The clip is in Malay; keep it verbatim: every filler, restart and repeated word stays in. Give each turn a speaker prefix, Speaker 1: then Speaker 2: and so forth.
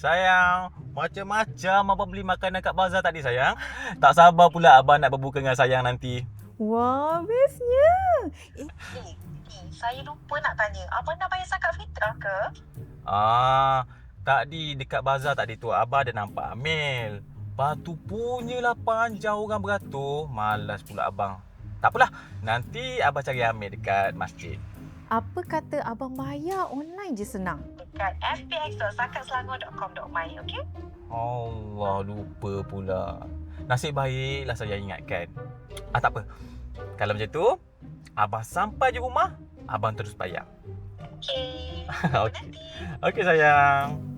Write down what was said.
Speaker 1: Sayang, macam-macam abang beli makanan kat bazar tadi sayang. Tak sabar pula abang nak berbuka dengan sayang nanti.
Speaker 2: Wah, bestnya. Eh,
Speaker 3: Eh, ni saya lupa nak tanya. Abang nak bayar zakat fitrah ke?
Speaker 1: Ah, tadi dekat bazar tadi tu abang ada nampak Amil. Lepas tu punyalah panjang orang beratur. Malas pula abang. Tak apalah, nanti abang cari Amil dekat masjid.
Speaker 2: apa kata abang bayar online je senang?
Speaker 3: Dekat f p x dot zakat selangor dot com dot my, okey?
Speaker 1: Allah, lupa pula. Nasib baiklah saya ingatkan. Ah, tak apa. Kalau macam tu, abang sampai je rumah, abang terus bayar.
Speaker 3: Okey.
Speaker 1: Okey. Okey sayang.